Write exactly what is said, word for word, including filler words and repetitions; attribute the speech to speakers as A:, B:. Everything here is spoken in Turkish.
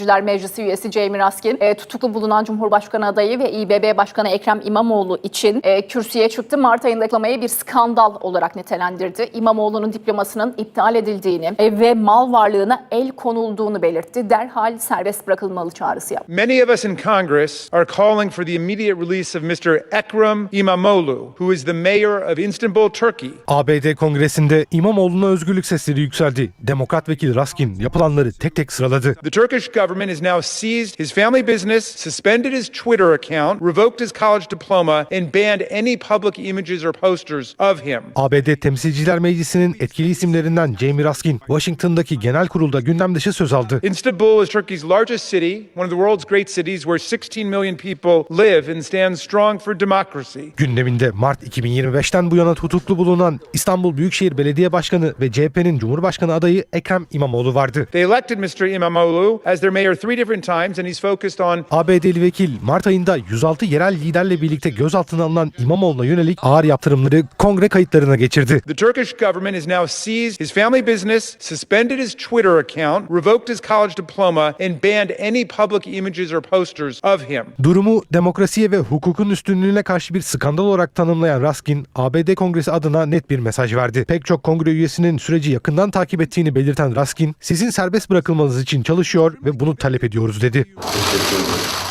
A: Meclisi üyesi Jamie Raskin e, tutuklu bulunan Cumhurbaşkanı adayı ve İ B B Başkanı Ekrem İmamoğlu için e, kürsüye çıktı. Mart ayında diplomayı bir skandal olarak nitelendirdi. İmamoğlu'nun diplomasının iptal edildiğini e, ve mal varlığına el konulduğunu belirtti. Derhal serbest bırakılmalı çağrısı yaptı.
B: Many of us in Congress are calling for the immediate release of mister Ekrem İmamoğlu, who is the mayor of Istanbul, Turkey.
C: A B D Kongresi'nde İmamoğlu'na özgürlük sesleri yükseldi. Demokrat vekil Raskin yapılanları tek tek sıraladı.
B: The Turkish government has now seized his family business, suspended his Twitter account, revoked his college diploma, and banned any public images or posters of him.
C: A B D Temsilciler Meclisi'nin etkili isimlerinden Jamie Raskin, Washington'daki genel kurulda gündem dışı söz aldı.
B: Istanbul is Turkey's largest city, one of the world's great cities where sixteen million people live and stand strong for democracy.
C: Gündeminde Mart iki bin yirmi beşten bu yana tutuklu bulunan İstanbul Büyükşehir Belediye Başkanı ve C H P'nin Cumhurbaşkanı adayı Ekrem İmamoğlu vardı.
B: They elected mister İmamoğlu as their mayor three different times, and he's focused on
C: A B D'li vekil Mart ayında yüz altı yerel liderle birlikte gözaltına alınan İmamoğlu'na yönelik ağır yaptırımları kongre kayıtlarına geçirdi.
B: the Turkish government has now seized his family business, suspended his Twitter account, revoked his college diploma, and banned any public images or posters of him.
C: Durumu demokrasiye ve hukukun üstünlüğüne karşı bir skandal olarak tanımlayan Raskin, A B D Kongresi adına net bir mesaj verdi. Pek çok kongre üyesinin süreci yakından takip ettiğini belirten Raskin, sizin serbest bırakılmanız için çalışıyor ve bunu talep ediyoruz dedi.